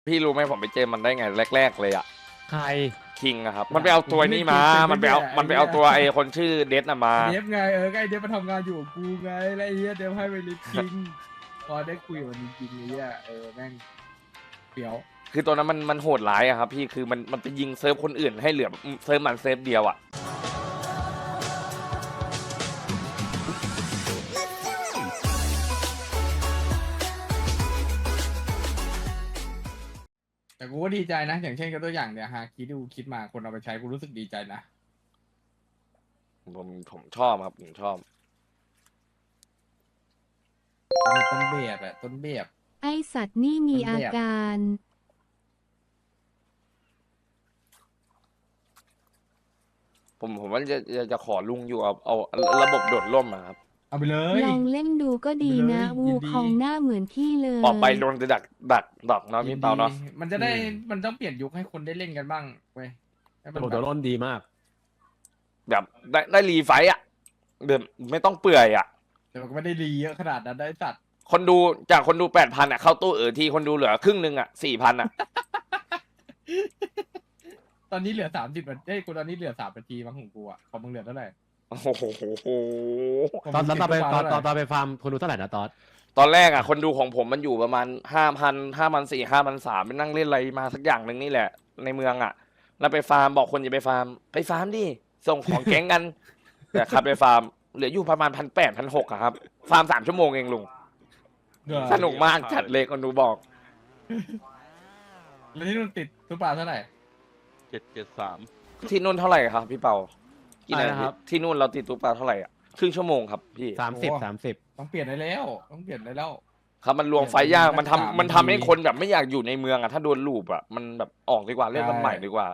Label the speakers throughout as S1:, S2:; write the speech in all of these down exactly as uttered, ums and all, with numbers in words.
S1: พี่รู้ไหมผมไปเจอมันได้ไงแรก ๆ เลยอ่ะ
S2: ใคร
S1: คิงอะครับ มันไปเอาตัวนี้มา มันไปเอา มันไปเอาตัวไอ้คนชื่อเดซน่ะมา
S3: เดฟไงเออไอเดฟมาทำงานอยู่กับกูไงแล้วไอ้เหี้ยเดฟให้ไปลิฟคิงพอได้คุยกับมันจริงๆไอ้เหี้ยเออแม่งเปียว
S1: คือตัวนั้นมันมันโหดร้ายอะครับพี่ คือมันมันไปยิงเซิร์ฟคนอื่นให้เหลือเซิร์ฟมันเซิร์ฟเดียวอะ
S3: แต่กูก็ดีใจนะ อย่างเช่นกับตัวอย่างเนี่ยฮาคิดดูคิดมาคนเอาไปใช้กูรู้สึกดีใจนะ
S1: ผมผมชอบครับผมชอบ
S3: มีต้นแบบอะต้นแบบ
S4: ไอสัตว์นี่มีอาการ
S1: ผมผมว่าจะจะจะขอลุงอยู่เอาเอาระบบโดดร่มอะครับ
S3: เอาไปเลย
S4: ลองเล่นดูก็ดีนะ
S3: ไปเลย
S4: วู
S3: ยินดี
S4: คองหน้าเหมือนพี่เลย
S1: ออกไปโดนจะดักดักดักเนาะพี่เปาเนาะ
S3: มันจะได้มันต้องเปลี่ยนยุคให้คนได้เล่นกันบ้างเว้ยให้มัน
S2: โอ้
S3: แบ
S2: ตัว
S3: บ
S2: ร่นดีมาก
S1: แบบได้ได้รีไฟต์อะเดิมไม่ต้องเปื่อยอะ
S3: แต่มันก็ไม่ได้รีเยอะขนาดนั้นได้สัตว์
S1: คนดูจากคนดูแปดพันอะเข้าตู้เออทีคนดูเหลือครึ่งหนึ่งอะสี่พันอะ
S3: ตอนนี้เหลือสามสิบนาทีเอ้ยกูตอนนี้เหลือสามนาทีมั้งของกูอะของมึงเหลือเท่าไหร่
S1: โอ้โห
S3: ของ
S2: ตอน
S3: มึง
S2: ตอนไป
S3: สิบ
S2: ตอน
S3: กว่า
S2: ตอนตอ
S3: เท่าน ไหร่
S2: ไปฟาร์มคนดูเท่าไหร่นะตอน
S1: ตอนแรกอะคนดูของผมมันอยู่ประมาณห้าพันห้าพันสี่ห้าพันสามไปนั่งเล่นอะไรมาสักอย่างหนึ่งนี่แหละ ในเมืองอะแล้วไปฟาร์มบอกคนอย่าไปฟาร์มไปฟาร์มดิส่งของแก๊งกัน แต่ครับไปฟาร์มเหลืออยู่ประมาณพันแปดพันหกอะครับ ฟาร์มสามชั่วโมงเองลุง
S3: เดือ
S1: สนุกมากจัดเลยคนดูบอก
S3: แล้วที่นู่นติดตุ๊ปลาเท่าไหร่
S5: เจ็ดเจ็ดสาม
S1: ที่นู่นเท่าไหร่ครับพี่เปากี่
S2: อะไร
S1: นา
S2: นะ
S1: ที
S2: ครับ
S1: ที่นู่นเราติดตุ๊กตาเท่าไหร่อ่ะครึ่งชั่วโมงครับพี่
S2: สามสิบสามสิบ
S3: ต้องเปลี่ยนได้แล้ว ต้องเปลี่ยนได้แล้ว
S1: ครับมันรวมไฟยากมันทำ
S3: สาม
S1: มันทำให้
S3: นาที
S1: คนแบบไม่อยากอยู่ในเมืองอ่ะถ้าโดนลูปอ่ะมันแบบออกดีกว่าเล่น
S3: ใช่
S1: มันใหม่ดีกว่า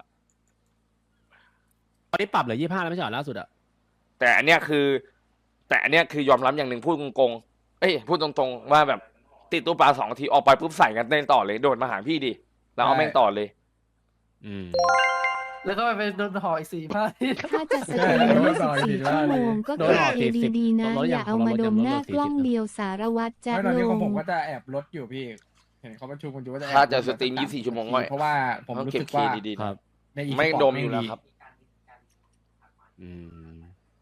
S2: ตอนนี้ปรับเหลือยี่ห้าแล้วไม่ใช่เหรอล่าสุดอะ
S1: แต่อันเนี้ยคือ แต่อันเนี้ยคือยอมรับอย่างหนึ่งพูดตรงๆเอ้ยพูดตรงๆว่าแบบติดตุ๊กตาสองนาทีออกไปปุ๊บใส่กันเต้นต่อเลยโดดมาหาพี่ดิแล้วเอาแม่งต่อเลย
S2: อืม
S6: แล้วก็ไปโดนห่ออีกสี่พัน
S4: ถ้าจะสตรีมยี่สิบสี่ชั่วโมงก็
S2: โด
S4: คื
S2: น
S4: อ
S2: หลอก
S4: เอ
S2: สี่สิบ
S4: ดีๆนะ
S2: ลดยัง
S4: อย่าเอามา
S2: ลด
S4: ด
S2: ยัง
S4: ม
S2: ลด
S4: หน้า
S2: ลดสี่สิบ
S4: กล้องเดียวสารวัตรจะ
S3: ไม่ตอน
S4: ล
S3: นี้ของ
S4: ง
S3: ผมก็จะแอบลดอยู่พี่ เห็นเขาประชุมกันอยู่ว่าจะแอบ
S1: ถ้าจะ
S3: ลด
S1: สตรีมยี่สิบสี่ชั่วโมงก็
S3: เพราะว่าผม
S1: ต้อง
S3: รู้
S1: เก็บ
S3: สึก
S1: เค
S3: ว่า
S1: ดีๆ
S2: ครั
S1: นะ
S2: บ
S3: ในอี
S1: ไม่ดมอยู่แล้วครับ
S2: อืม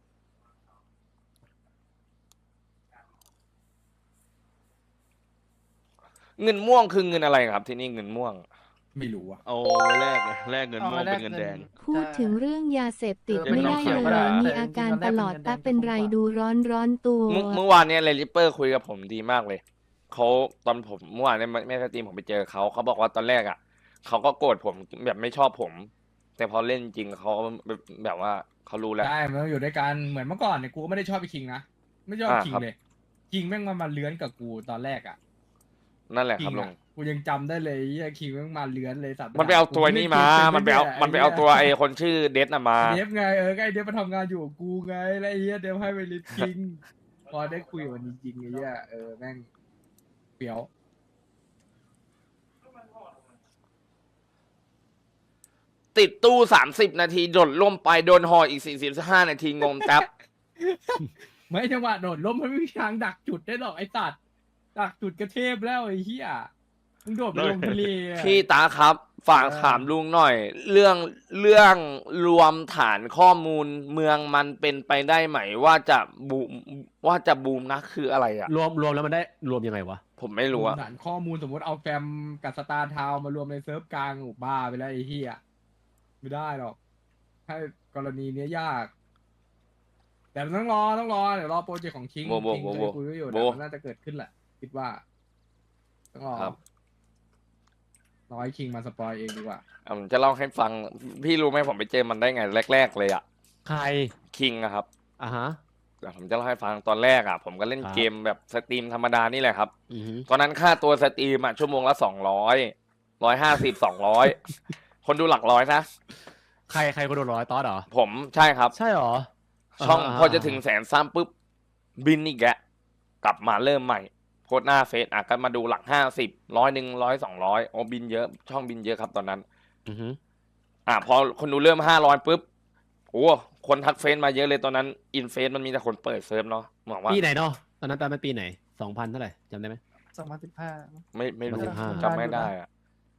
S1: เงินม่วงคือเงินอะไรครับ ที่นี่เงินม่วง
S3: ไม่รู้อะ
S5: เอาไว้แลกไงแลกเงินม่วงเป็นเงินแดง
S4: พูดถึงเรื่องยาเสพติด
S5: เออ
S4: ไม่ได้
S5: ไม่
S4: เล
S5: ต้องเขียนก็ได้
S4: ยมีอาการตลอดตาเป็นไรดูร้อนร้อนตัว
S1: เมื่อเมื่อวานเนี่ยเลลิปเปอร์คุยกับผมดีมากเลยเขาตอนผมเมื่อวานเนี่ยแม่สตรีมผมไปเจอเขาเขาบอกว่าตอนแรกอ่ะเขาก็โกรธผมแบบไม่ชอบผม แต่พอเล่นจริงเขาแบบแบบว่าเขารู้แล้ว
S3: ใช่มันต้องอยู่ด้วยกันเหมือนเมื่อก่อนเนี่ยกูก็ไม่ได้ชอบไปคิงนะไม่ชอบ
S1: อ่า
S3: คิง
S1: ครับ
S3: เลยคิงแม่งมามาเลื้อนกับกูตอนแรกอะ
S1: นั่นแหละค
S3: คิ
S1: รับ
S3: ง
S1: ลุ
S3: อะ
S1: ง
S3: กูยังจำได้เลยไอ้คิงแม่งมาเลื้อนเลยสัตว์
S1: มันไปเอาตัวนี้มา มันไปเอามันไปเอาตัวไอ้คนชื่อเดซน่ะมา
S3: เดฟไงเออไอเดฟมาทำงานอยู่กับกูไงแล้วไอ้เหี้ยเดฟให้ไปลิฟคิงพอได้คุยกับมันจริงๆไอ้เหี้ยเออแม่งเปียว
S1: ติดตู้สามสิบนาทีโดดล่มไปโดนหออีกสี่สิบห้านาทีงงแท็บ
S3: ไม่จังหวะโดดล้มมันไม่มีทางดักจุดได้หรอกไอ้สัตว์ดักจุดกระเทพแล้วไอ้เหี้ยมึงโดดไปลงทะเลอะ
S1: พี่ตาครับฝาก
S3: เออ
S1: ถามลุงหน่อย เรื่องเรื่องรวมฐานข้อมูลเมืองมันเป็นไปได้ไหมว่าจะบูมว่าจะบูมนะคืออะไรอ่ะ
S2: รวมรวมแล้วมันได้รวมยังไงวะ
S1: ผมไม่รู้อะ
S3: ฐานข้อมูลสมมติเอาแฟมกับสตาร์ทาวน์มารวมในเซิร์ฟกลางโอ้บ้าไปแล้วไอ้เหี้ยไม่ได้หรอกถ้ากรณีเนี้ยยาก แต่ต้องรอต้องรอเดี๋ยวรอโปรเจกต์ของคิง
S1: โบโบ
S3: คิง
S1: โบ
S3: เค
S1: โบ
S3: ยคุยไว้อยู่
S1: โบ
S3: แต่มันน่าจะเกิดขึ้นแหละ คิดว่า ต้องรอ
S1: ครับ
S3: รอให้คิงมาสปอยเองดีกว่า
S1: อ่ะผมจะเล่าให้ฟัง พี่รู้ไหมผมไปเจอมันได้ไงแรก ๆ เลยอะ
S2: ใคร
S1: คิงอะครับ
S2: อ่ะฮะ
S1: เดี๋ยวผมจะเล่าให้ฟังตอนแรกอะผมก็เล่น
S2: ครับ
S1: เกมแบบสตรีมธรรมดานี่แหละครับ
S2: อือฮึ
S1: ตอนนั้นค่าตัวสตรีมอะชั่วโมงละสองร้อยร้อยห้าสิบสองร้อยคนดูหลักร้อยนะ
S2: ใครใครคนโดนร้อยตอสเหรอ
S1: ผมใช่ครับ
S2: ใช่เหรอ
S1: ช่อง
S2: า
S1: พอจะถึงแสนซ้ำปุ๊บ บินอีกแกะกลับมาเริ่มใหม่โพสต์หน้าเฟซอ่ะก็มาดูหลักห้าสิบร้อยหนึ่งร้อยสองร้อยโอ้บินเยอะช่องบินเยอะครับตอนนั้น
S2: อือฮึ
S1: อ่ะพอคนดูเริ่มห้าร้อยปุ๊บโอ้คนทักเฟซมาเยอะเลยตอนนั้นอินเฟซมันมีแต่คนเปิดเซิร์ฟเนาะหวังว่า
S2: ปีไหนเนาะตอนนั้นตอนนั้นปีไหนสองพันเท่าไหร่จำได้ไหม
S6: สองพันสิบห้า
S1: ไม่ไม่รู้
S2: สิบห้า
S1: จำไม่ได้อะ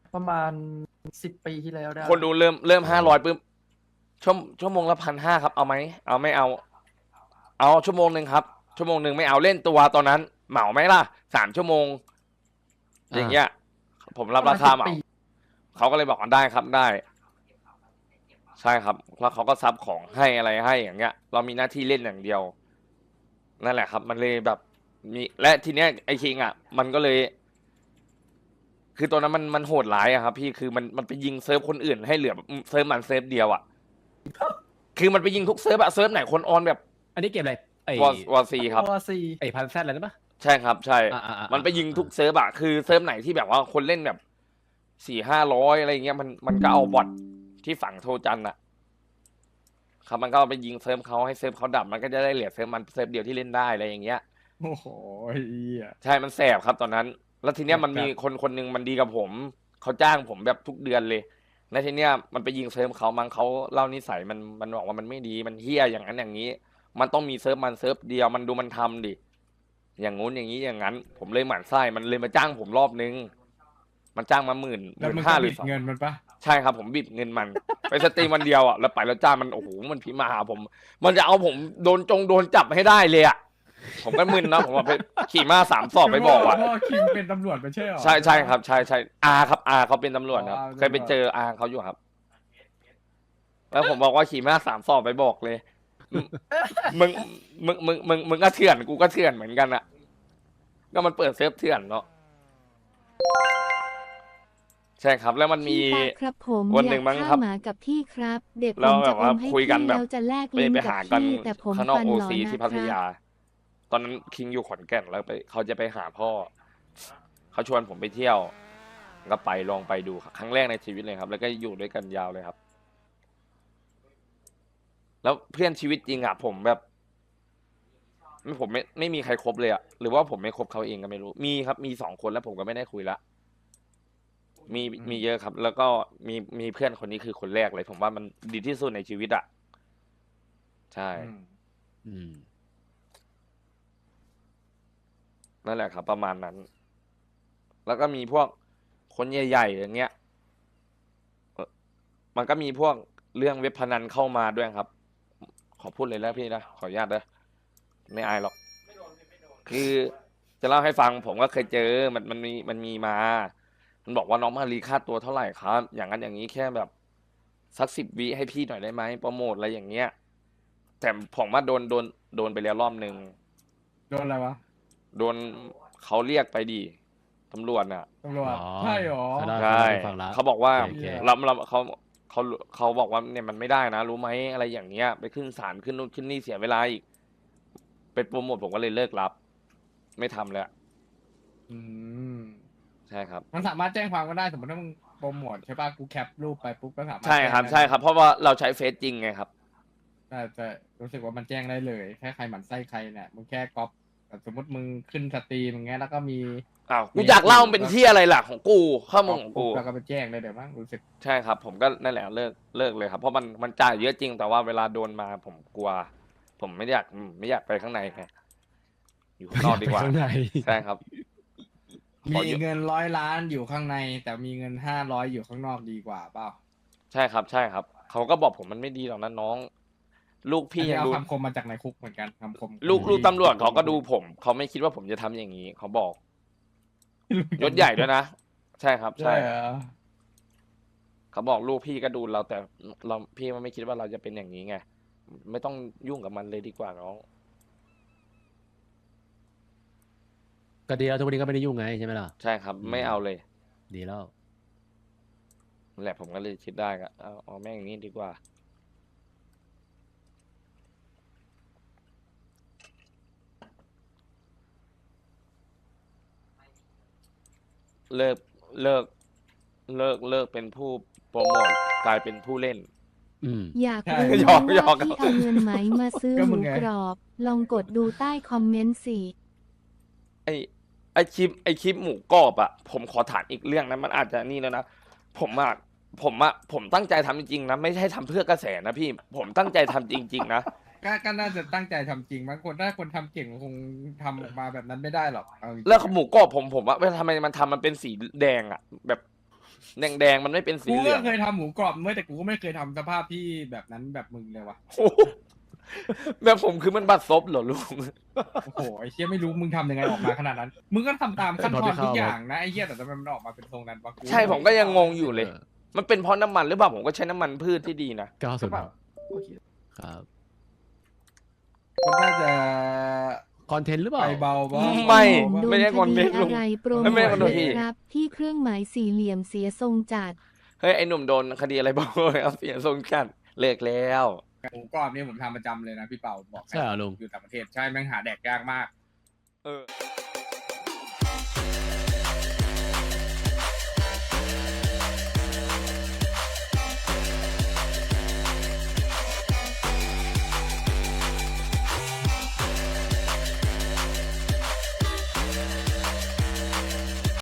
S6: ประมาณสิบปีที่แล้วได้
S1: คนดูเริ่มเริ่มห้าร้อยปุ๊บชั่วชั่วโมงละพันห้าครับเอาไหมเอาไม่เอา เอาชั่วโมงหนึ่งครับชั่วโมงหนึ่งไม่เอาเล่นตัวตอนนั้น เหมาไหมล่ะสามชั่วโมง อย่างเงี้ย ผมรับราคาเหมาเขาก็เลยบอกว่าได้ครับได้ ใช่ครับแล้วเขาก็ซับของให้อะไรให้อย่างเงี้ย เรามีหน้าที่เล่นอย่างเดียว นั่นแหละครับ มันเลยแบบมีและทีเนี้ยไอคิงอ่ะ มันก็เลย คือตอนนั้นมันมันโหดร้ายอะครับ พี่คือมันมันไปยิงเซิร์ฟคนอื่นให้เหลือเซิร์ฟมันเซิร์ฟเดียวอ่ะ คือมันไปยิงทุกเซิร์ฟอะเซิร์ฟไหนคนออนแบบ
S2: อันนี้เกมอะไรไอ้
S1: วอวอซีครับ
S6: วอซี
S2: ไอ้พันแซดอะไรนะปะ
S1: ใช่ครับ ใช่
S2: อ่าอ่าอ่า
S1: มันไปยิงทุกเซิร์ฟอะคือเซิร์ฟไหนที่แบบว่าคนเล่นแบบสี่ห้าร้อยอะไรเงี้ยมันมันก็เอาบอทที่ฝั่งโทจันอะครับมันก็เอาไปยิงเซิร์ฟเขาให้เซิร์ฟเขาดับมันก็จะได้เหลือเซิร์ฟมันเซิร์ฟเดียวที่เล่นได้อะไรอย่างเงี้ย
S3: โอ้โหไอ้เหี้ย
S1: ใช่มันแสบครับตอนนั้น แล้วทีเนี้ยมันมีคนคนหนึ่งมันดีกับผมเขาจ้างผมแบบทุกเดือนเลยแล้วทีเนี้ยมันไปยิงเซิร์ฟเขามั้งเขาเล่านิสัยมันมันบอกว่ามันไม่ดีมันเฮี้ยอย่างนั้นอย่างนี้ มันต้องมีเซิร์ฟมันเซิร์ฟเดียวมันดูมันทำดิอย่างงู้นอย่างนี้อย่างนั้น ผมเลยหมั่นไส้มันเลยมาจ้างผมรอบนึง มันจ้างมาหมื่นห
S3: แล้ว
S1: มื่
S3: มึง
S1: นห้า
S3: ก็
S1: หรื
S3: บิ
S1: อ
S3: ด
S1: สอง
S3: เงินมันปะ
S1: ใช่ครับผมบิดเงินมัน ไปสตรีมวันเดียวอ่ะแล้วไปแล้วจ้างมันโอ้โหมันพิมพ์มาหาผม มันจะเอาผมโดนจงโดนจับให้ได้เลยอ่ะผมก็มึนนะผมว่าไปขี่ม้าสามสอบไปบอกอ่ะ
S3: พ่อคิงเป็นตำรวจไม่ใช่หรอ
S1: ใช่ใช่ครับใช่ใช่อาครับอาเขาเป็นตำรวจครับ
S3: อ๋อ
S1: เคยไปเจออาเขาอยู่ครับ แล้วผมบอกว่าขี่ม้าสามสอบไปบอกเลย มึงมึงมึงมึงมึงก็เถื่อนกูก็เถื่อนเหมือนกันอะก็มันเปิดเซิร์ฟเถื่อนเนาะใช่ครับ แล้วมันมี
S4: พี่ตาครับผม
S1: วัน
S4: อ
S1: หนึ่
S4: ยาก
S1: งมั้งครั
S4: ฆ่า
S1: บ
S4: หมากับพี่ครับ เด็กผ
S1: แล้ว
S4: ม
S1: แบ
S4: จะ
S1: บ
S4: อ
S1: ว่าม
S4: ให้
S1: คุยกัน
S4: พี่
S1: แบบ
S4: แล้วจะแลก
S1: ไป
S4: ลิ้น
S1: ไป
S4: กับ
S1: หากัน
S4: พี่แต่ผม
S1: ข้างนอก
S4: ฟัน
S1: โอ
S4: หลอ
S1: ซี
S4: นะ
S1: ที่
S4: ค
S1: พัท
S4: รับ
S1: ยา ตอนนั้นคิงอยู่ขอนแก่นแล้วไปเขาจะไปหาพ่อ เขาชวนผมไปเที่ยว ก็ไปลองไปดูครับครั้งแรกในชีวิตเลยครับ แล้วก็อยู่ด้วยกันยาวเลยครับ แล้วเพื่อนชีวิตจริงอ่ะผมแบบไม่ผมไม่ไม่มีใครคบเลยอ่ะหรือว่าผมไม่คบเขาเองก็ไม่รู้ มีครับมีสองคนแล้วผมก็ไม่ได้คุยละมีมีเยอะครับ แล้วก็มีมีเพื่อนคนนี้คือคนแรกเลย ผมว่ามันดีที่สุดในชีวิตอ่ะใช่
S3: อืม
S2: อืม
S1: นั่นแหละครับ ประมาณนั้น แล้วก็มีพวกคนใหญ่ๆอย่างเงี้ยเอ่อมันก็มีพวกเรื่องเว็บพนันเข้ามาด้วยครับ ขอพูดเลยแล้วพี่นะขออนุญาตนะไม่อายหรอก คือจะเล่าให้ฟังผมก็เคยเจอมันมันมีมันมีมา มันบอกว่าน้องมารีค่าตัวเท่าไหร่ครับ อย่างนั้นอย่างนี้แค่แบบสักสิบวิให้พี่หน่อยได้ไหมโปรโมทอะไรอย่างเงี้ย แต่ผมว่าโดนโดนโดนไปแล้วรอบหนึ่ง
S3: โดนอะไรวะ
S1: โดนเขาเรียกไปดิตำรวจน่ะ
S3: ตำรวจ
S2: อ๋อ
S3: ใช่หรอ
S2: เขาได้
S1: ใช่
S2: ฟังละ
S1: เขาบอกว่า
S2: โอเค
S1: เราเราเขาเขาเขาบอกว่าเนี่ยมันไม่ได้นะ รู้ไหมอะไรอย่างเงี้ย ไปขึ้นศาลขึ้นนู่นขึ้นนี่เสียเวลาอีกไปโปรโมทผมก็เลยเลิกรับ ไม่ทำแล้ว
S3: อืม
S1: ใช่ครับ
S3: มันสามารถแจ้งความก็ได้สมมติถ้ามึงโปรโมทใช่ป่ะกูแคปรูปไปปุ๊บก็สามารถ
S1: ใช่ครับ
S3: แจ้งได้
S1: ใช่ครับ เพราะว่าเราใช้เฟซจริงไงครับ
S3: แต่แต่รู้สึกว่ามันแจ้งได้เลยแค่ใครหมั่นไส้ใครเนี่ยมึงแค่ก๊อปแบบสมมติมึงขึ้นสตรีมอย่างเงี้ยแล้วก็มี
S1: อ้าวกูอยากเล่ามันเป็นที่อะไรล่ะของกูข้อมูลของ
S3: ปุ๊
S1: กู
S3: บแล้วก็ไปแจ้งได้เดี๋ยวมั้งรู้สึก
S1: ใช่ครับ ผมก็นั่นแหละเลิกเลิกเลยครับ เพราะมันมันจ่ายเยอะจริงแต่ว่าเวลาโดนมาผมกลัว ผมไม่อยากไม่อยากไปข้างในไงอยู่ข้างนอกดีกว่า
S2: ไปข้างใน
S1: ใช่ครับ ขอ
S3: มี
S1: เยอะ
S3: เงินร้อยล้านอยู่ข้างใน แต่มีเงินห้าร้อยอยู่ข้างนอกดีกว่าเปล่า
S1: ใช่ครับ ใช่ครับเขาก็บอกผมมันไม่ดีหรอกนะน้อง ลูกพี่
S3: อัน
S1: ยั
S3: นี้
S1: ง
S3: เอา
S1: ดู
S3: คำคมมาจากในคุกเหมือนกันคำคม
S1: ลูก
S3: ของ
S1: ลูก
S3: ที่
S1: ตำรวจเขาก็ดูผมเขาไม่คิดว่าผมจะทำอย่างนี้เขาบอกยศใหญ่ด้วยนะใช่ครับ
S3: ใช่
S1: ใช่
S3: เหรอ
S1: เขาบอกลูกพี่ก็ดูเราแต่เราพี่มันไม่คิดว่าเราจะเป็นอย่างนี้ไงไม่ต้องยุ่งกับมันเลยดีกว่าน้อง
S2: ก็ดีแล้วทุกวันนี้ก็ไม่ได้ยุ่งไงใช่ไหมล่ะ
S1: ใช่ครับ ไม่เอาเลย
S2: ดีแล้ว
S1: นั่นแหละผมก็เลยคิดได้ก็เอาเอาแม่งอย่างนี้ดีกว่า เลิกเลิกเลิกเลิกเป็นผู้โปรโมทกลายเป็นผู้เล่น
S2: อืม
S4: อยาก
S3: ใช่
S4: รู้
S1: หยอกหยอ
S4: ว่าก พี่เอาเงินไหมมาซื้อ
S3: ก็
S4: ห
S3: มึ
S4: มู
S3: งไง
S4: กรอบ ลองกดดูใต้คอมเมนต์สิ
S1: ไอไอคลิปไอคลิปหมูกรอบอะผมขอถามอีกเรื่องนะมันอาจจะนี่แล้วนะผมอะผมอะผมตั้งใจทำจริงๆนะไม่ใช่ทำเพื่อกระแสนะพี่ ผมตั้งใจทำจริง ๆ นะ
S3: ก็ก็น่าจะตั้งใจทำจริงบางคนถ้าคนทำเก่งคงทำออกมาแบบนั้นไม่ได้หรอกเอาจริงๆ
S1: แล้วหมูกรอบผมผมว่าเวลาทำไมมันทำมันเป็นสีแดงอะแบบแดงแดงๆมันไม่เป็นสี
S3: กู
S1: เหลื
S3: ก็
S1: อง
S3: เคยทำหมูกรอบเมื่อแต่กูก็ไม่เคยทำสภาพที่แบบนั้นแบบมึงเลยวะ
S1: โอ้โหแบบผมคือมันบัดซบเหรอลุง
S3: โอ้โหไอ้เชี่ยไม่รู้มึงทำยังไงออกมาขนาดนั้น มึงก็ทำตามขั้นตอนทุกอย่างนะไอ้เชี่ยแต่ทำไมมันออกมาเป็นทรงนั้นวะ
S1: ใช่ผมก็ยังงงอยู่เลย มันเป็นเพราะน้ำมันหรือเปล่าผมก็ใช้น้ำมันพืชที่ดีนะ
S2: เก้าสิบ
S6: โอเค
S2: ครับ
S3: มันน่าจะ
S2: คอนเทนต์หรือเปล่า
S3: ไปเบาบ้าง
S1: ไม่
S4: โด
S1: ไม่
S4: น
S1: ได้
S4: ค
S1: คอนเท
S4: ดี
S1: นต์ลุง
S4: อะไรโปรโม
S1: ไม่ได้
S4: ท
S1: คอนเทนต์
S4: เลยครับ ที่เครื่องหมายสี่เหลี่ยมเสียทรงจัด
S1: เฮ้ยไอหนุ่มโดนคดีอะไรบ้างเลยครับเสียทรงกันเลิกแล้ว
S3: หมูกรอบเนี่ยผมทำประจำเลยนะพี่เป่าบอกให้
S2: ใช่เหรอลุง
S3: อยู่ต่างประเทศใช่แม่งหาแดกยากมาก
S1: เออ